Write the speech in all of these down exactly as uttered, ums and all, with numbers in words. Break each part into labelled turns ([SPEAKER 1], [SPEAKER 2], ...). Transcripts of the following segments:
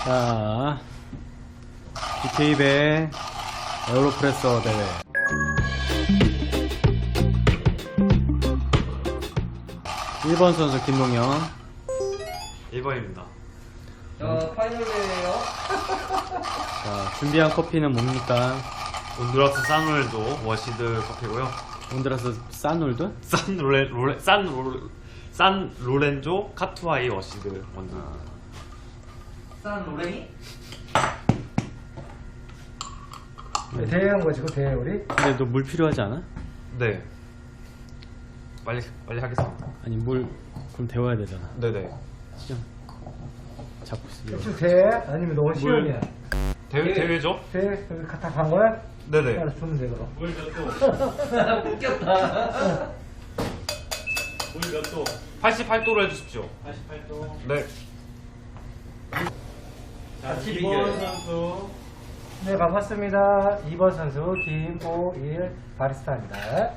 [SPEAKER 1] 자, 비케이배 에어로프레서 대회. 일 번 선수 김동현.
[SPEAKER 2] 일 번입니다.
[SPEAKER 3] 자, 파이널 대회예요.
[SPEAKER 1] 자, 준비한 커피는 뭡니까?
[SPEAKER 2] 온두라스 산롤도 워시드 커피고요.
[SPEAKER 1] 온드라스 산울드?
[SPEAKER 2] 산 로레 로레 산 로, 산 로렌조 카투아이 워시드 원두.
[SPEAKER 3] 산 로랭이?
[SPEAKER 4] 네, 대회한 거 지금 대회 우리?
[SPEAKER 1] 근데 너 물 필요하지 않아?
[SPEAKER 2] 네. 빨리 빨리 하겠습니다.
[SPEAKER 1] 아니 물 그럼 데워야 되잖아.
[SPEAKER 2] 네네.
[SPEAKER 1] 시험 잡고 있어.
[SPEAKER 4] 지금 대회? 아니면 너무 시험이야?
[SPEAKER 2] 대회
[SPEAKER 3] 네.
[SPEAKER 2] 대회죠?
[SPEAKER 4] 대회? 여기 다 간 거야?
[SPEAKER 2] 네네.
[SPEAKER 4] 알아서 주면 돼 그럼.
[SPEAKER 2] 물 몇 도?
[SPEAKER 3] 웃겼다.
[SPEAKER 2] 물 몇 도? 팔십팔 도로 해주십시오.
[SPEAKER 1] 팔십팔 도.
[SPEAKER 2] 네.
[SPEAKER 1] 자,
[SPEAKER 3] 같이
[SPEAKER 1] 이
[SPEAKER 3] 비교해요.
[SPEAKER 1] 번 선수.
[SPEAKER 4] 네 반갑습니다. 이 번 선수 김오일 바리스타입니다.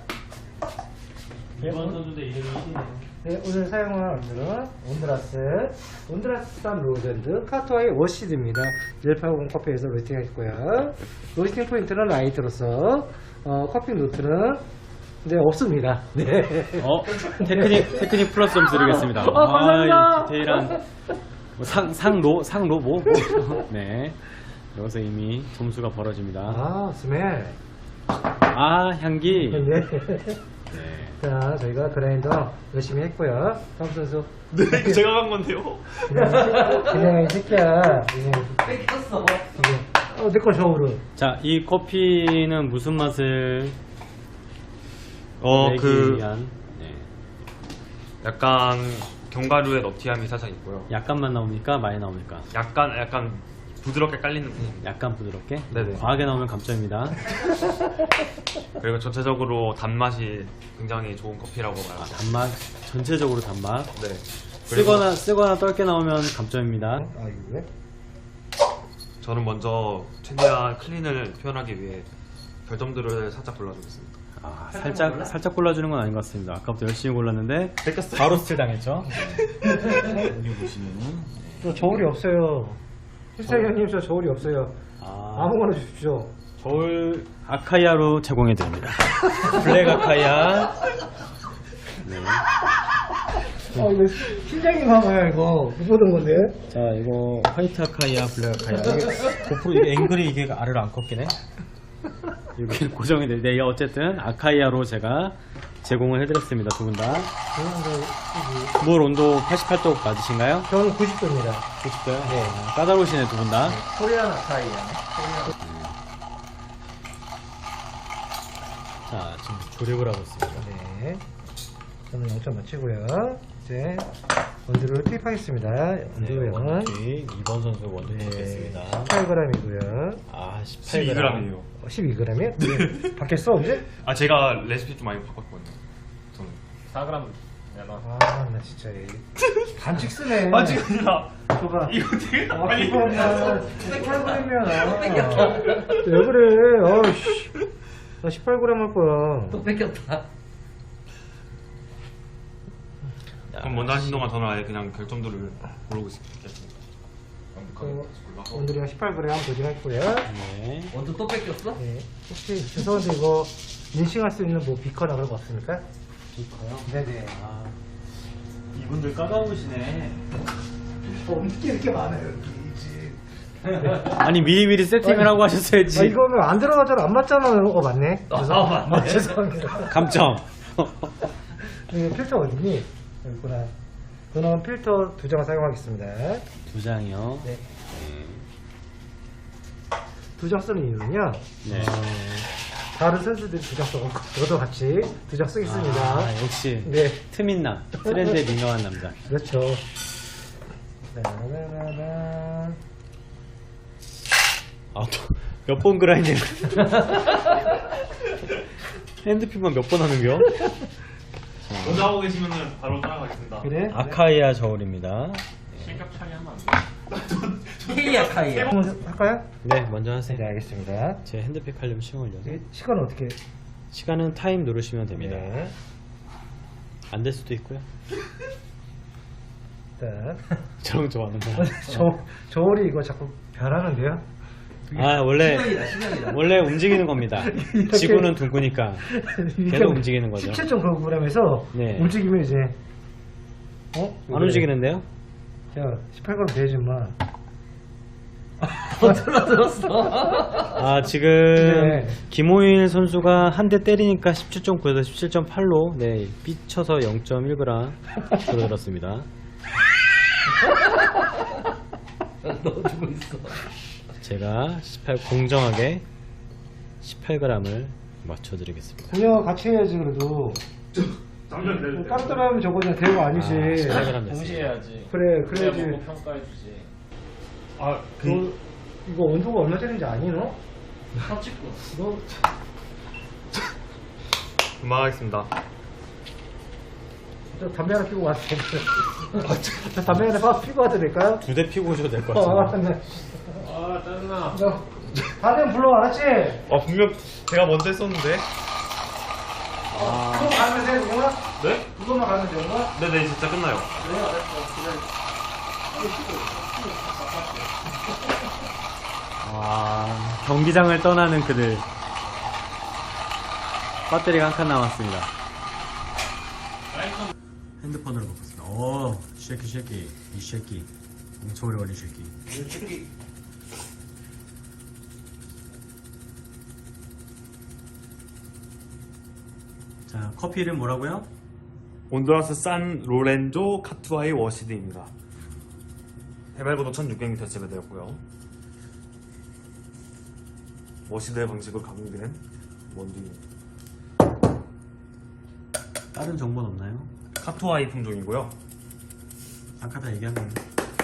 [SPEAKER 1] 이 번 선수도 이름이 이시네요.
[SPEAKER 4] 네, 오늘 사용할 원두는 온드라스 온드라스 산 로젠드 카토아의 워시드입니다. 일팔오공 커피에서 로스팅 했고요. 로스팅 포인트는 라이트로서 어, 커피 노트는 네 없습니다. 네.
[SPEAKER 1] 어? 테크닉 테크닉 플러스 좀 드리겠습니다.
[SPEAKER 4] 어, 감사합니다.
[SPEAKER 1] 아, 이 디테일한 뭐 상, 상로 상로 뭐? 뭐. 네. 여기서 이미 점수가 벌어집니다.
[SPEAKER 4] 아 스멜.
[SPEAKER 1] 아, 향기.
[SPEAKER 4] 네.
[SPEAKER 1] 네.
[SPEAKER 4] 자 저희가 그라인더 열심히 했고요. 다음 선수.
[SPEAKER 2] 네, 이거 제가 간 건데요.
[SPEAKER 4] 그냥 그냥 이 새끼야. 그냥
[SPEAKER 3] 뺏겼어.
[SPEAKER 4] 이게 어 내 거 저우르.
[SPEAKER 1] 자, 이 커피는 무슨 맛을
[SPEAKER 2] 어,
[SPEAKER 1] 내기
[SPEAKER 2] 그
[SPEAKER 1] 위한 네.
[SPEAKER 2] 약간 견과류의 너티함이 살짝 있고요.
[SPEAKER 1] 약간만 나옵니까? 많이 나옵니까?
[SPEAKER 2] 약간 약간 부드럽게 깔리는 편입니다.
[SPEAKER 1] 약간 부드럽게?
[SPEAKER 2] 네네.
[SPEAKER 1] 과하게 나오면 감점입니다.
[SPEAKER 2] 그리고 전체적으로 단맛이 굉장히 좋은 커피라고
[SPEAKER 1] 아,
[SPEAKER 2] 말합니다.
[SPEAKER 1] 단맛, 전체적으로 단맛.
[SPEAKER 2] 네. 그리고
[SPEAKER 1] 쓰거나 쓰거나 떫게 나오면 감점입니다.
[SPEAKER 4] 아 이거 왜?
[SPEAKER 2] 저는 먼저 최대한 클린을 표현하기 위해 별점들을 살짝 골라주겠습니다.
[SPEAKER 1] 아, 살짝 살짝 골라주는 건 아닌 것 같습니다. 아까부터 열심히 골랐는데
[SPEAKER 2] 뺏겼어요.
[SPEAKER 1] 바로 스틸 당했죠. 여기 보시면은
[SPEAKER 4] 저 저울이 없어요. 실사위원님 저 저울이 없어요.
[SPEAKER 1] 아,
[SPEAKER 4] 아무거나 주십시오.
[SPEAKER 1] 저울 아카이아로 제공해 드립니다. 블랙 아카이아. 네.
[SPEAKER 4] 아 이거 팀장님 봐봐요 이거 못 보던 건데.
[SPEAKER 1] 자, 이거 화이트 아카이아, 블랙 아카이아. 이게 고프로 이게 앵글이 이게 알을 안 꺾이네. 여기 고정이 돼. 네, 어쨌든 아카이아로 제가 제공을 해드렸습니다. 두 분 다. 물 온도 팔십팔 도 맞으신가요?
[SPEAKER 4] 저는 구십 도입니다.
[SPEAKER 1] 구십 도요?
[SPEAKER 4] 네.
[SPEAKER 1] 아, 까다로우시네 두 분 다.
[SPEAKER 4] 코리안 아카이아네.
[SPEAKER 1] 자, 지금 조립을 하고 있습니다.
[SPEAKER 4] 네. 저는 영 점 맞추고요. 이제 원두를 투입하겠습니다. 원두 양은
[SPEAKER 1] 이 번 선수 원두
[SPEAKER 4] 네,
[SPEAKER 1] 투입했습니다.
[SPEAKER 4] 십팔 그램이고요.
[SPEAKER 1] 아, 십팔
[SPEAKER 2] 십이
[SPEAKER 1] 그램.
[SPEAKER 2] 그램이에요.
[SPEAKER 4] 십이 그램이요? 네. 바뀌었어 언제?
[SPEAKER 2] 아 제가 레시피 좀 많이 바꿨거든요. 저는 사 그램 내가.
[SPEAKER 4] 아 나 진짜 이 반칙 쓰네.
[SPEAKER 2] 아 지금 아니라
[SPEAKER 4] 줘봐.
[SPEAKER 2] 이거 되게
[SPEAKER 4] 아,
[SPEAKER 2] 많이
[SPEAKER 4] 그거면 십팔 그램이야. 왜 그래? 어이씨. 나 십팔 그램 할 거야.
[SPEAKER 3] 또 뺏겼다.
[SPEAKER 2] 그럼 먼저 하신 동안 저는 아예 그냥 결점들을 고르고 있겠습니다.
[SPEAKER 4] 그, 원두리가 십팔 그램 도전했고요.
[SPEAKER 1] 네.
[SPEAKER 3] 원두 또 뺏겼어?
[SPEAKER 4] 네. 혹시 죄송한데 이거 인식할 수 있는 뭐 비커나 그런 거 없습니까?
[SPEAKER 1] 비커요?
[SPEAKER 4] 네네.
[SPEAKER 1] 아, 이분들 까다로우시네.
[SPEAKER 4] 어, 어떻게 이렇게 많아요 여기 집.
[SPEAKER 1] 아니, 미리미리 세팅을 하고 하셨어야지.
[SPEAKER 4] 아, 이거는 안 들어가잖아. 안 맞잖아. 어 맞네.
[SPEAKER 3] 아,
[SPEAKER 4] 죄송-
[SPEAKER 3] 맞네.
[SPEAKER 4] 아, 죄송합니다.
[SPEAKER 1] 감점.
[SPEAKER 4] 이 필터 어디니? 여기 있구나. 저는 필터 두 장을 사용하겠습니다.
[SPEAKER 1] 두 장이요.
[SPEAKER 4] 네. 두 장 쓰는 이유는요.
[SPEAKER 1] 네.
[SPEAKER 4] 어, 다른 선수들이 두 장 쓰고 저도 같이 두 장 쓰겠습니다.
[SPEAKER 1] 아, 역시
[SPEAKER 4] 네.
[SPEAKER 1] 트민남, 트렌드에 민감한 남자.
[SPEAKER 4] 그렇죠. 라라라라.
[SPEAKER 1] 아, 또 몇 번 그라인딩. 핸드핀만 몇 번 하는겨?
[SPEAKER 2] 먼저 하고 계시면은 바로 따라가겠습니다.
[SPEAKER 4] 그래?
[SPEAKER 1] 아카이아 저울입니다.
[SPEAKER 2] 실격 처리하면 안 돼요?
[SPEAKER 3] 케이야 카이야.
[SPEAKER 4] 한번 할까요?
[SPEAKER 1] 네, 먼저 하세요.
[SPEAKER 4] 네, 알겠습니다.
[SPEAKER 1] 제 핸드폰 하려면 시간 걸려서.
[SPEAKER 4] 이 시간은 어떻게?
[SPEAKER 1] 시간은 타임 누르시면 됩니다.
[SPEAKER 4] 네.
[SPEAKER 1] 안 될 수도 있고요.
[SPEAKER 4] 일단
[SPEAKER 1] 저런 좋아하는 거.
[SPEAKER 4] 저 저울이 이거 자꾸 변하는데요.
[SPEAKER 1] 아 원래
[SPEAKER 3] 신경이다, 신경이다.
[SPEAKER 1] 원래 움직이는 겁니다. 지구는 둥그니까 계속 움직이는 거죠.
[SPEAKER 4] 십칠 점 구 그램에서
[SPEAKER 1] 네.
[SPEAKER 4] 움직이면 이제 어?
[SPEAKER 1] 안 움직이는데요?
[SPEAKER 4] 자 십팔 그램 돼야지만.
[SPEAKER 3] 못 들어들었어.
[SPEAKER 1] 아 지금
[SPEAKER 4] 네.
[SPEAKER 1] 김호일 선수가 한 대 때리니까 십칠 점 구에서 십칠 점 팔로 네 삐쳐서 영 점 일 그램 줄어들었습니다.
[SPEAKER 3] 넣어주고 있어.
[SPEAKER 1] 제가 십팔 공정하게 십팔 그램을 맞춰드리겠습니다.
[SPEAKER 4] 공략 같이 해야지 그래도.
[SPEAKER 2] 잠시만
[SPEAKER 4] 뭐
[SPEAKER 2] 내려.
[SPEAKER 4] 따로 따로 하면 저거는 대우가 아니지.
[SPEAKER 1] 아, 십팔 그램 됐습니다.
[SPEAKER 5] 동시에 해야지.
[SPEAKER 4] 그래
[SPEAKER 5] 그래야
[SPEAKER 4] 그래야지.
[SPEAKER 5] 먹고 평가해주지.
[SPEAKER 2] 아, 그
[SPEAKER 4] 너 이거 온도가 얼마짜리인지 아니 너?
[SPEAKER 3] 삼십구.
[SPEAKER 4] 너
[SPEAKER 2] 그만하겠습니다.
[SPEAKER 4] 저 담배 하나 피고 와도 돼. 저 담배 하나 파- 피고 와도 될까요?
[SPEAKER 1] 두 대 피고 오셔도 될 것
[SPEAKER 4] 어,
[SPEAKER 1] 같습니다.
[SPEAKER 4] 네.
[SPEAKER 5] 아 짜증나.
[SPEAKER 4] 너 다들 불러 알았지?
[SPEAKER 2] 아 분명 제가 먼저 했었는데.
[SPEAKER 4] 그거 가면 돼, 영화?
[SPEAKER 2] 네?
[SPEAKER 4] 그거만 가면 돼, 영화?
[SPEAKER 2] 네네 진짜 끝나요.
[SPEAKER 1] 아, 경기장을 떠나는 그들. 배터리가 한 칸 남았습니다. 핸드폰으로 먹었습니다. 오, 쉐키 쉐키, 이 쉐키, 엄청 오래 걸린 쉐키. 자, 커피 이름 뭐라고요?
[SPEAKER 2] 온두라스 산 로렌조 카투아이 워시드입니다. 해발고도 천육백 미터 재배되었고요. 워시드의 방식으로 가공된 원두입니다.
[SPEAKER 1] 다른 정보는 없나요?
[SPEAKER 2] 카투아이 품종이고요.
[SPEAKER 1] 아까 다 얘기한 건데.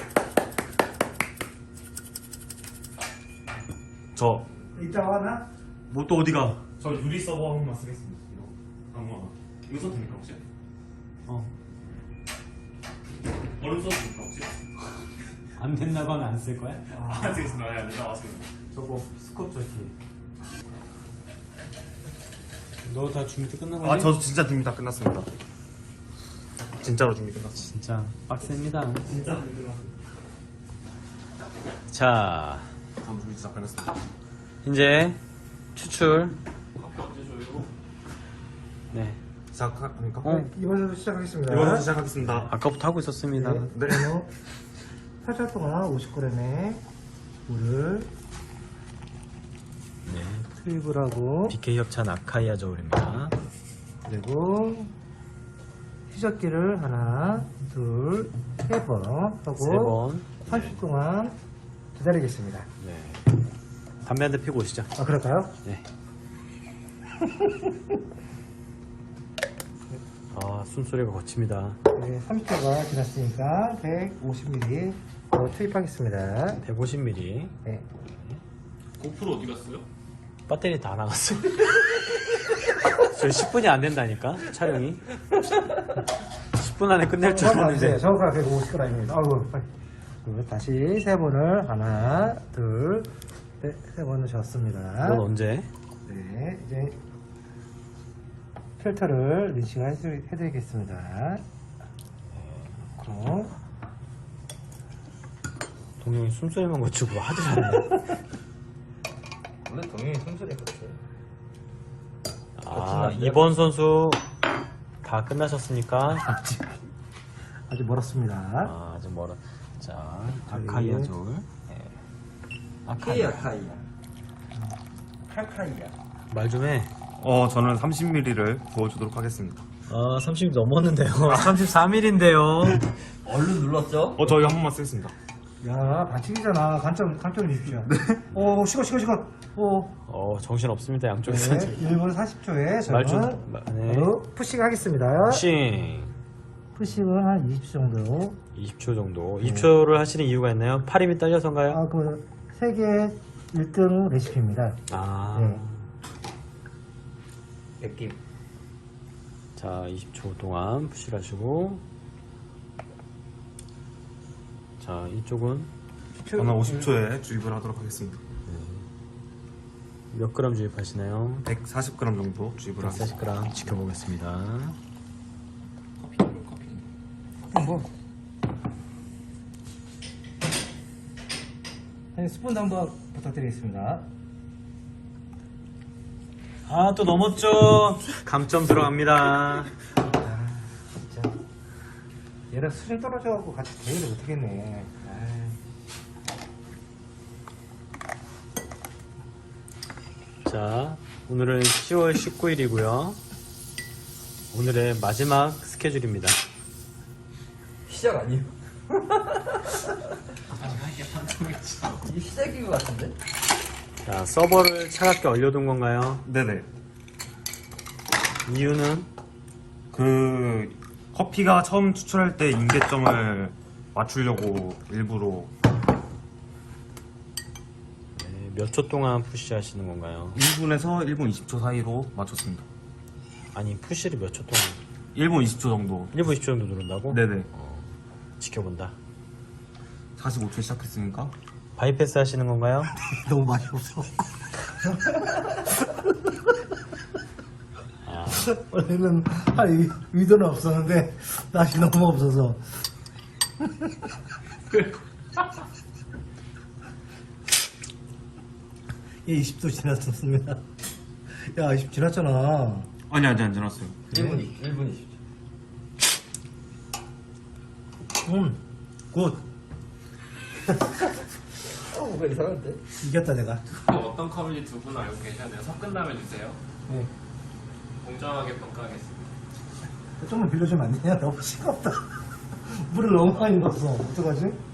[SPEAKER 2] 저,
[SPEAKER 4] 이따가 하나?
[SPEAKER 1] 뭐 또 어디가?
[SPEAKER 2] 저 유리 서버 한 번만 쓰겠습니다. 이거. 아무거나. 이거 써도 됩니까 혹시?
[SPEAKER 1] 어,
[SPEAKER 2] 얼음 써도 됩니까 혹시?
[SPEAKER 1] 안 된다고 하면 안 쓸 거야?
[SPEAKER 2] 아, 쓰겠습니다. 네, 네, 나왔습니다.
[SPEAKER 1] 저거 스코트 티. 너 다 준비 끝난 거지?
[SPEAKER 2] 아, 저 진짜 준비 다 끝났습니다. 진짜로 준비 끝났습니다.
[SPEAKER 1] 진짜 빡셉니다.
[SPEAKER 2] 진짜 준비 끝났습니다.
[SPEAKER 1] 자,
[SPEAKER 2] 전 준비 다 끝났습니다.
[SPEAKER 1] 이제 추출.
[SPEAKER 5] 언제 줘요?
[SPEAKER 1] 네,
[SPEAKER 2] 시작합니까?
[SPEAKER 1] 어.
[SPEAKER 4] 네, 이번 선수 시작하겠습니다.
[SPEAKER 2] 이번 선수 시작하겠습니다.
[SPEAKER 1] 아까부터 하고 있었습니다.
[SPEAKER 4] 네.
[SPEAKER 2] 네.
[SPEAKER 4] 그리고 팔 초 동안 오십 그램의 물을
[SPEAKER 1] 네,
[SPEAKER 4] 투입을 하고
[SPEAKER 1] 비케이 협찬 아카이아 저울입니다.
[SPEAKER 4] 그리고 희석기를 하나, 둘, 세 번 하고
[SPEAKER 1] 세 번.
[SPEAKER 4] 삼십 초 동안 기다리겠습니다.
[SPEAKER 1] 네. 담배 한 대 피고 오시죠.
[SPEAKER 4] 아 그럴까요?
[SPEAKER 1] 네. 아, 숨소리가 거칩니다.
[SPEAKER 4] 네, 삼십 초가 지났으니까 백오십 밀리리터 더 투입하겠습니다.
[SPEAKER 1] 백오십 밀리리터.
[SPEAKER 4] 네.
[SPEAKER 5] 고프로 어디 갔어요?
[SPEAKER 1] 배터리 다 나갔어. 저희 십 분이 안 된다니까, 촬영이. 십 분 안에 끝낼 줄 알았는데.
[SPEAKER 4] 정확하게 백오십 그램입니다. 아이고, 빨리. 그리고 다시 세 번을 하나, 둘, 네, 세 번을 졌습니다.
[SPEAKER 1] 이건 언제?
[SPEAKER 4] 네, 이제 필터를 린싱을 해드- 해드리겠습니다. 그럼
[SPEAKER 1] 동영이 숨소리만 거치고 하도 잘해.
[SPEAKER 3] 원래 동영이 숨소리 컸어요.
[SPEAKER 1] 아, 이번 선수 다 끝나셨으니까.
[SPEAKER 4] 아직 멀었습니다.
[SPEAKER 1] 아, 좀 멀어. 자, 아카이아 저울. 네.
[SPEAKER 3] 카이야 카이야. 칼카이야.
[SPEAKER 1] 말 좀 해.
[SPEAKER 2] 어, 저는 삼십 밀리리터를 부어주도록 하겠습니다.
[SPEAKER 1] 아, 삼십 넘었는데요. 삼십사 밀리리터인데요.
[SPEAKER 3] 얼른 눌렀죠?
[SPEAKER 2] 어, 저희 한 번만 쓰겠습니다.
[SPEAKER 4] 야, 반칙이잖아. 관점, 관점 주십시오. 오, 식어, 식어, 식어. 오,
[SPEAKER 1] 어, 정신 없습니다. 양쪽에서.
[SPEAKER 4] 네, 일 분 사십 초에
[SPEAKER 1] 말 좀.
[SPEAKER 4] 저는
[SPEAKER 1] 마- 네.
[SPEAKER 4] 바로 푸싱 하겠습니다.
[SPEAKER 1] 싱.
[SPEAKER 4] 푸싱은 한 이십 초 정도.
[SPEAKER 1] 이십 초 정도. 이십 초를 하시는 이유가 있나요? 팔 힘이 딸려서인가요?
[SPEAKER 4] 아, 그, 세계 일 등 레시피입니다.
[SPEAKER 1] 아.
[SPEAKER 4] 네.
[SPEAKER 3] 느낌.
[SPEAKER 1] 자, 이십 초 동안 푸시를 하시고. 자, 이쪽은
[SPEAKER 2] 저는 오십 초에 주입을 하도록 하겠습니다.
[SPEAKER 1] 몇 그램 주입하시나요?
[SPEAKER 2] 백사십 그램 정도 주입을 하겠습니다.
[SPEAKER 1] 백사십 그램 지켜보겠습니다.
[SPEAKER 3] 커피 커피.
[SPEAKER 4] 뭐, 한 스푼 한번 부탁드리겠습니다.
[SPEAKER 1] 아, 또 넘었죠. 감점 들어갑니다.
[SPEAKER 4] 아, 진짜. 얘랑 수준 떨어져갖고 같이 대회를 못하겠네.
[SPEAKER 1] 자, 오늘은 시월 십구일이고요. 오늘의 마지막 스케줄입니다.
[SPEAKER 3] 시작 아니에요? 이게 시작인 것 같은데?
[SPEAKER 1] 자, 서버를 차갑게 얼려둔 건가요?
[SPEAKER 2] 네네.
[SPEAKER 1] 이유는?
[SPEAKER 2] 그 커피가 처음 추출할 때 임계점을 맞추려고 일부러
[SPEAKER 1] 네, 몇 초 동안 푸시하시는 건가요?
[SPEAKER 2] 일 분에서 일 분 이십 초 사이로 맞췄습니다.
[SPEAKER 1] 아니, 푸시를 몇 초 동안?
[SPEAKER 2] 일 분 이십 초 정도.
[SPEAKER 1] 일 분 이십 초 정도 누른다고?
[SPEAKER 2] 네네.
[SPEAKER 1] 지켜본다.
[SPEAKER 2] 사십오 초에 시작했으니까.
[SPEAKER 1] 바이패스 하시는 건가요?
[SPEAKER 4] 너무 맛이 없어.
[SPEAKER 1] 아,
[SPEAKER 4] 원래는 할 의- 의도는 없었는데 맛이 너무 없어서. 예, 이십 도 지났었습니다. 야, 이십 지났잖아.
[SPEAKER 2] 아니 아직 안 지났어요.
[SPEAKER 3] 일 분 이십 초. 일 분 이십 초.
[SPEAKER 4] 음, 굿.
[SPEAKER 3] 어, 뭔가 이상한데?
[SPEAKER 4] 이겼다 내가.
[SPEAKER 5] 어떤 컵인지 두 분 알고 계셨나요? 섞은다면 주세요.
[SPEAKER 4] 네.
[SPEAKER 5] 공정하게 평가하겠습니다.
[SPEAKER 4] 좀만 빌려주면 안 되냐? 너무 싱겁다. 물을 너무 많이 넣었어. 어떡하지?